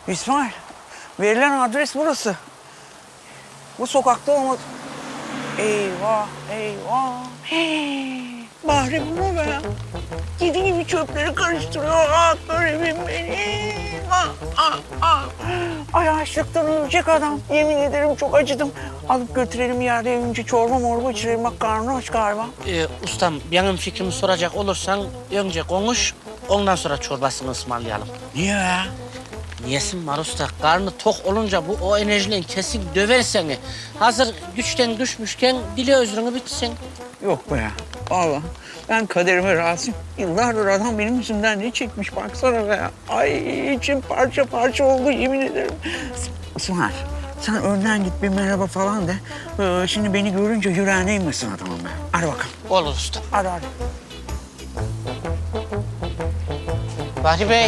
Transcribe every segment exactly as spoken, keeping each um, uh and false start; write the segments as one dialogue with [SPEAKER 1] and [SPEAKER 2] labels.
[SPEAKER 1] İsmail, verilen adres burası. Bu sokakta olmadı. Eyvah, eyvah. Hey, Bahri bu mu be? Kedi gibi çöpleri karıştırıyor. Ah garibim benim. Ah, ah, ah. Ay açlıktan ölecek adam. Yemin ederim çok acıdım. Alıp götürelim yerde önce çorba morba içirelim. Bak karnı aç galiba.
[SPEAKER 2] Ee, ustam benim fikrimi soracak olursan önce konuş, ondan sonra çorbasını ısmarlayalım.
[SPEAKER 1] Niye ya?
[SPEAKER 2] Niyesin var usta? Karnı tok olunca bu o enerjiyle kesin döver seni. Hazır güçten düşmüşken dile özrünü bitsin.
[SPEAKER 1] Yok be ya. Vallahi ben kaderime razıyım. Yıllardır adam benim yüzümden ne çekmiş baksana be ya. Ay içim parça parça oldu yemin ederim. İsmail sen önden git bir merhaba falan de. Ee, şimdi beni görünce yüreğine inmesin adamın be. Hadi bakalım.
[SPEAKER 2] Olur usta.
[SPEAKER 1] Hadi hadi.
[SPEAKER 2] Bahri Bey.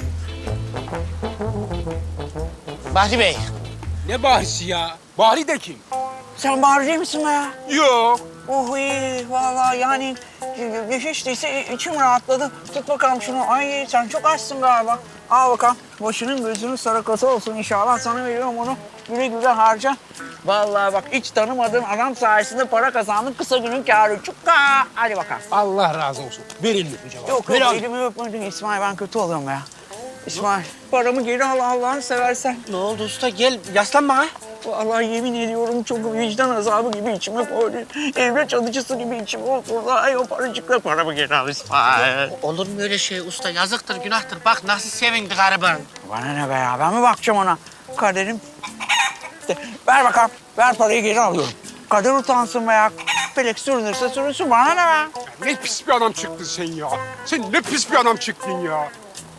[SPEAKER 2] Bahri Bey.
[SPEAKER 3] Ne Bahri'si ya? Bahri de kim?
[SPEAKER 1] Sen Bahri değil misin be ya?
[SPEAKER 3] Yok.
[SPEAKER 1] Oh iyi vallahi yani hiç değilse içim rahatladı. Tut bakalım şunu. Ay sen çok açsın galiba. Al bakalım. Başının gözünün sarakası olsun inşallah. Sana veriyorum onu. Güle güle harca. Vallahi bak hiç tanımadığın adam sayesinde para kazandın. Kısa günün kârı. Çukka. Hadi bakalım.
[SPEAKER 3] Allah razı olsun. Ver elini öpeceğim.
[SPEAKER 1] Yok
[SPEAKER 3] Ver
[SPEAKER 1] yok
[SPEAKER 3] abi.
[SPEAKER 1] elimi öpmedin İsmail. Ben kötü oluyorum ya. İsmail paramı geri al Allah'ını seversen.
[SPEAKER 2] Ne oldu usta? Gel yaslan bana.
[SPEAKER 1] Vallahi yemin ediyorum çok vicdan azabı gibi içime koydu. Evlat alıcısı gibi içime oturdu. Ay o paracıkla paramı geri al İsmail.
[SPEAKER 2] Olur mu öyle şey usta? Yazıktır, günahtır. Bak nasıl sevindi gariban.
[SPEAKER 1] Bana ne be ya? Ben mi bakacağım ona? Kaderim. De, ver bakalım. Ver parayı geri alıyorum. Kader utansın be ya. Pelek sürünürse sürünsün. Bana ne be?
[SPEAKER 3] Ne pis bir adam çıktın sen ya. Sen ne pis bir adam çıktın ya.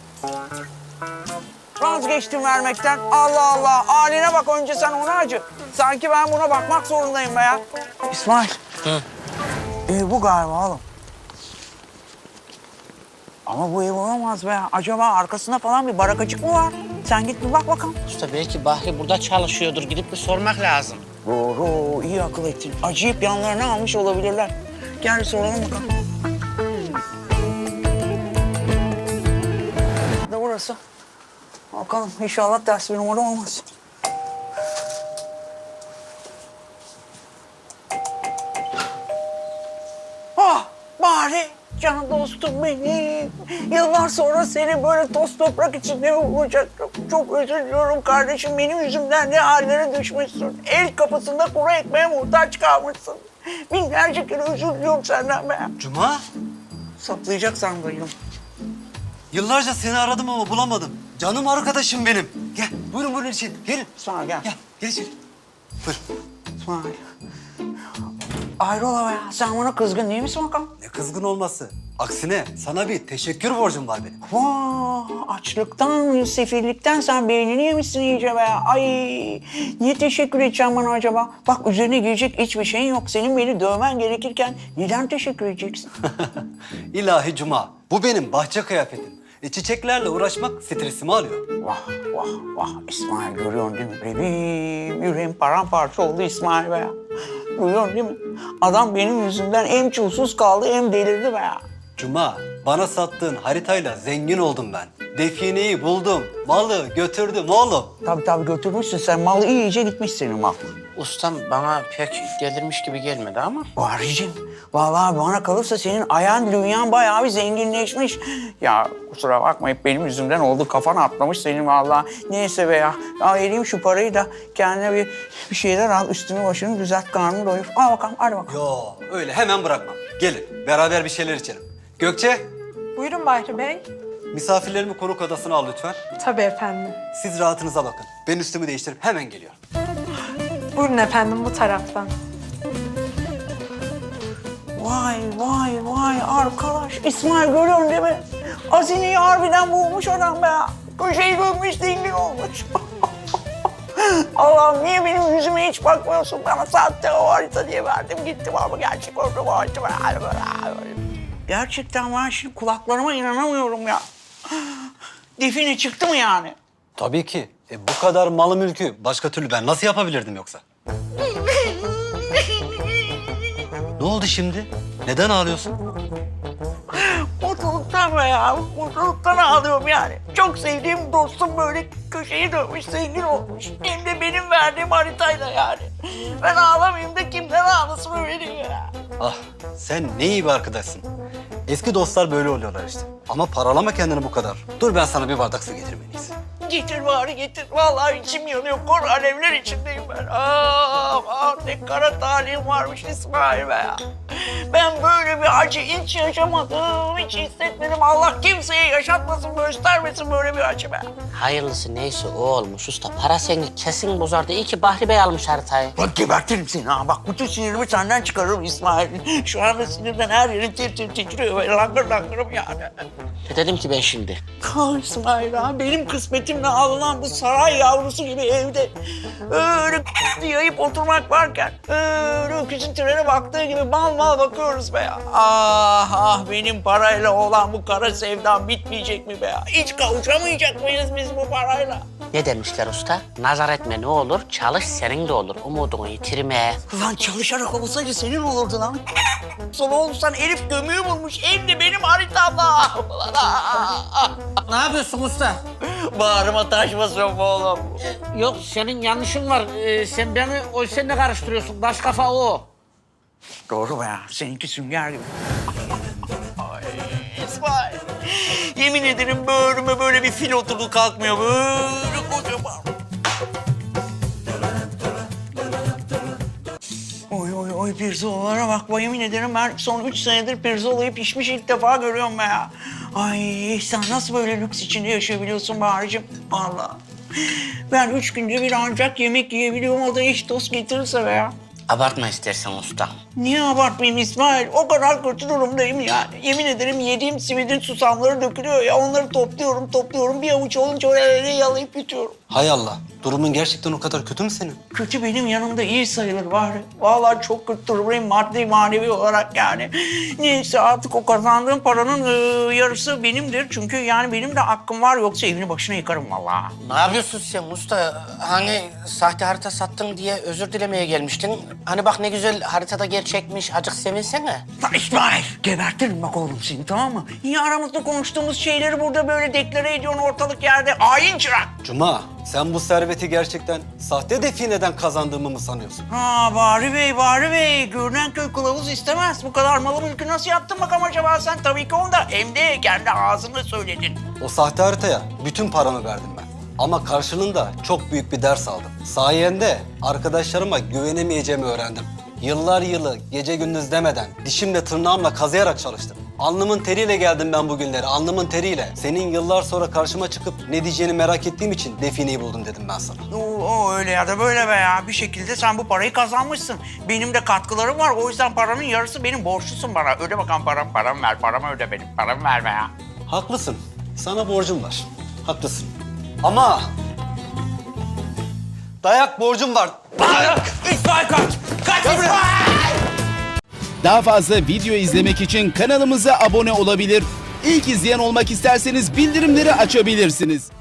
[SPEAKER 1] Vazgeçtim vermekten. Allah Allah. Haline bak önce sen ona acı. Sanki ben buna bakmak zorundayım be ya. İsmail.
[SPEAKER 2] Hı.
[SPEAKER 1] Ev bu galiba oğlum. Ama bu ev olamaz be. Acaba arkasında falan bir barakacık mı var? Sen git bir bak bakalım.
[SPEAKER 2] Usta belki Bahri burada çalışıyordur. Gidip bir sormak lazım.
[SPEAKER 1] Doğru, iyi akıl ettin. Acıyıp yanlarına almış olabilirler. Gel bir soralım bakalım. Ne burası? Bakalım inşallah ters bir numara olmaz. Ah bari can dostum benim. Yıllar sonra seni böyle toz toprak içinde bulacaktım. Çok özür diliyorum kardeşim. Benim yüzümden ne hallere düşmüşsün. El kapısında kuru ekmeğe muhtaç kalmışsın. Binlerce kere özür diliyorum senden be.
[SPEAKER 4] Cuma,
[SPEAKER 1] Saplayacak sandım.
[SPEAKER 4] yıllarca seni aradım ama bulamadım. Canım arkadaşım benim. Gel, buyurun buyurun içeri. Gelin.
[SPEAKER 1] İsmail gel.
[SPEAKER 4] Gel, gel içeri. Buyur.
[SPEAKER 1] İsmail. Hayrola be ya? Sen bana kızgın değil misin bakalım?
[SPEAKER 4] Ne kızgın olması. Aksine sana bir teşekkür borcum var benim.
[SPEAKER 1] Vaa, açlıktan, sefillikten sen beynini yemişsin iyice be. Ay, niye teşekkür edeceğim bana acaba? Bak üzerine giyecek hiçbir şeyin yok. Senin beni dövmen gerekirken neden teşekkür edeceksin?
[SPEAKER 4] İlahi Cuma, bu benim bahçe kıyafetim. E, çiçeklerle uğraşmak stresimi alıyor.
[SPEAKER 1] Vah, vah, vah. İsmail görüyorsun değil mi? Benim yüreğim paramparça oldu İsmail be ya. Duyuyorsun değil mi? Adam benim yüzümden hem çulsuz kaldı hem delirdi be ya.
[SPEAKER 4] Cuma, bana sattığın haritayla zengin oldum ben. Defineyi buldum, malı götürdüm oğlum.
[SPEAKER 1] Tabii tabii götürmüşsün sen. Mal iyice gitmiş senin mal.
[SPEAKER 2] Ustam bana pek delirmiş gibi gelmedi ama.
[SPEAKER 1] Bahriciğim, vallahi bana kalırsa senin ayağın dünyan bayağı bir zenginleşmiş. Ya kusura bakma hep benim yüzümden oldu. Kafan atlamış senin vallahi. Neyse be ya. Al vereyim şu parayı da kendine bir, bir şeyler al. Üstünü başını düzelt, karnını doyur. Al bakalım, hadi bakalım.
[SPEAKER 4] Yo, öyle hemen bırakmam. Gelin, beraber bir şeyler içelim. Gökçe,
[SPEAKER 5] Buyurun Bahri Bey.
[SPEAKER 4] misafirlerimi konuk odasına al lütfen.
[SPEAKER 5] Tabii efendim.
[SPEAKER 4] Siz rahatınıza bakın. Ben üstümü değiştirip hemen geliyorum.
[SPEAKER 5] Buyurun efendim bu taraftan.
[SPEAKER 1] Vay vay vay arkadaş. İsmail görüyorsun değil mi? Hazineyi harbiden bulmuş adam be ya. Köşeyi görmüş zengin olmuş. Allah'ım niye benim yüzüme hiç bakmıyorsun? Bana sahte o harita diye verdim gittim ama gerçek orada bu harita. Gerçekten ben şimdi kulaklarıma inanamıyorum ya. Define çıktı mı yani?
[SPEAKER 4] Tabii ki. E, bu kadar malı mülkü başka türlü ben nasıl yapabilirdim yoksa? Ne oldu şimdi? Neden ağlıyorsun?
[SPEAKER 1] Mutluluktan ağlayacağım be ya. Mutluluktan ağlıyorum yani. Çok sevdiğim dostum böyle köşeyi dönmüş, zengin olmuş. Hem de benim verdiğim haritayla yani. Ben ağlamayayım da kimden ağlasın öyle değil ya.
[SPEAKER 4] Ah sen ne iyi bir arkadaşsın. Eski dostlar böyle oluyorlar işte. Ama paralama kendini bu kadar. Dur ben sana bir bardak su getireyim en iyisi.
[SPEAKER 1] Getir bari getir. Vallahi içim yanıyor. Kor alevler içindeyim ben. Ah, ah ne kara talihim varmış İsmail be ya. Ben böyle bir acı hiç yaşamadım, hiç hissetmedim. Allah kimseye yaşatmasın, göstermesin böyle bir acı be.
[SPEAKER 2] Hayırlısı neyse o olmuş usta. Para seni kesin bozardı. İyi ki Bahri Bey almış haritayı.
[SPEAKER 1] Bak gebertirim seni ha. Bak bütün sinirimi senden çıkarırım İsmail. Şu anda sinirden her yerim tir tir titriyor. Böyle langır langırım yani.
[SPEAKER 2] Ne dedim ki ben şimdi?
[SPEAKER 1] Ah İsmail ha, benim kısmetimle alınan bu saray yavrusu gibi evde öyle yayıp oturmak varken öyle öküzün trene baktığı gibi mal mal bakıyoruz be ya. Ah ah benim parayla olan bu kara sevdam bitmeyecek mi be ya? Hiç kavuşamayacak mıyız biz bu parayla?
[SPEAKER 2] Ne demişler usta? Nazar etme ne olur, çalış senin de olur. Umudunu yitirme.
[SPEAKER 1] Lan çalışarak olsaydı senin olurdu lan. Sonra olsan Elif gömüğü bulmuş hem de benim haritamla. Ulan, ah, ah.
[SPEAKER 2] Ne yapıyorsun usta?
[SPEAKER 1] Bağrıma taş basıyorum bu oğlum.
[SPEAKER 2] Yok senin yanlışın var. Ee, sen beni o seninle karıştırıyorsun. Baş kafa o.
[SPEAKER 1] Doğru be ya. Seninki sünger gibi. Ay İsmail. Yemin ederim böğrüme böyle bir fil oturdu kalkmıyor. Böyle kocaman. Oy oy oy pirzolalara bak. Yemin ederim ben son üç senedir pirzolayı pişmiş ilk defa görüyorum be ya. Ay sen nasıl böyle lüks içinde yaşayabiliyorsun Bahar'cığım? Allah. Ben üç günde bir ancak yemek yiyebiliyorum. O da eş dost getirirse be ya.
[SPEAKER 2] Abartma istersen usta.
[SPEAKER 1] Niye abartmayayım İsmail? O kadar kötü durumdayım yani. Yemin ederim yediğim simidin susamları dökülüyor ya. Onları topluyorum, topluyorum. Bir avuç olunca öyle yalayıp yutuyorum.
[SPEAKER 4] Hay Allah. Durumun gerçekten o kadar kötü mü senin?
[SPEAKER 1] Kötü benim yanımda iyi sayılır bari. Vallahi çok kötü durumdayım maddi manevi olarak yani. Neyse artık o kazandığım paranın e, yarısı benimdir. Çünkü yani benim de hakkım var. Yoksa evini başına yıkarım vallahi.
[SPEAKER 2] Ne yapıyorsun sen usta? Hani sahte harita sattın diye özür dilemeye gelmiştin. Hani bak ne güzel haritada gerçekmiş. Acık sevinsene.
[SPEAKER 1] Lan İsmail, gebertirim bak oğlum seni tamam mı? Niye aramızda konuştuğumuz şeyleri burada böyle deklare ediyorsun ortalık yerde? Hain çırak!
[SPEAKER 4] Cuma, sen bu serveti gerçekten sahte defineden kazandığımı mı sanıyorsun?
[SPEAKER 1] Ha Bahri Bey, Bahri Bey. Görünen köy kılavuz istemez. Bu kadar malı mülkü nasıl yaptın bakalım acaba sen? Tabii ki onda. Hem de kendi ağzınla söyledin.
[SPEAKER 4] O sahte haritaya bütün paramı verdim ben. Ama karşılığında çok büyük bir ders aldım. Sayende arkadaşlarıma güvenemeyeceğimi öğrendim. Yıllar yılı gece gündüz demeden dişimle tırnağımla kazıyarak çalıştım. Alnımın teriyle geldim ben bugünlere, alnımın teriyle. Senin yıllar sonra karşıma çıkıp ne diyeceğini merak ettiğim için defineyi buldum dedim ben sana.
[SPEAKER 1] O, o öyle ya da böyle be ya. Bir şekilde sen bu parayı kazanmışsın. Benim de katkılarım var. O yüzden paranın yarısı benim borçlusun bana. Öde bakalım param, paramı ver. Paramı öde benim. Paramı verme ya.
[SPEAKER 4] Haklısın. Sana borcum var. Haklısın. Ama dayak borcum var. Dayak!
[SPEAKER 1] İsmail kaç! Kaç İsmail!
[SPEAKER 6] Daha fazla video izlemek için kanalımıza abone olabilir. İlk izleyen olmak isterseniz bildirimleri açabilirsiniz.